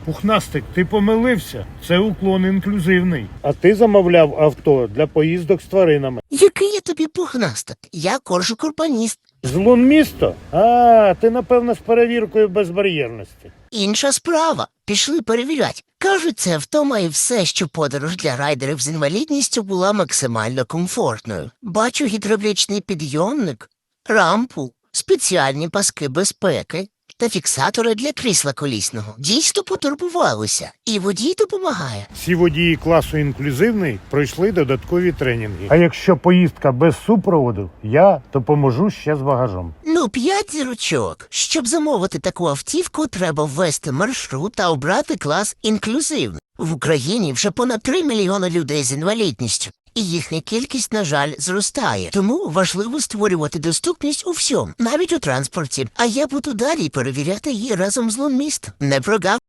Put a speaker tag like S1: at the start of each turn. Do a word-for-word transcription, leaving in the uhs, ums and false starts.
S1: Пухнастик, ти помилився. Це уклон інклюзивний. А ти замовляв авто для поїздок з тваринами.
S2: Який я тобі пухнастик? Я коржик-урбаніст.
S1: З Лунмісто? А, ти, напевно, з перевіркою безбар'єрності.
S2: Інша справа. Пішли перевірять. Кажуть, це авто має все, що подорож для райдерів з інвалідністю була максимально комфортною. Бачу гідравлічний підйомник, рампу, спеціальні паски безпеки та фіксатори для крісла колісного. Дійсно потурбувалися. І водій допомагає.
S1: Всі водії класу інклюзивний пройшли додаткові тренінги. А якщо поїздка без супроводу, я допоможу ще з багажом.
S2: Ну, п'ять зірочок. Щоб замовити таку автівку, треба ввести маршрут та обрати клас інклюзивний. В Україні вже понад три мільйони людей з інвалідністю. І їхня кількість, на жаль, зростає. Тому важливо створювати доступність у всьому, навіть у транспорті. А я буду далі перевіряти її разом з Лунміст. Не прогав.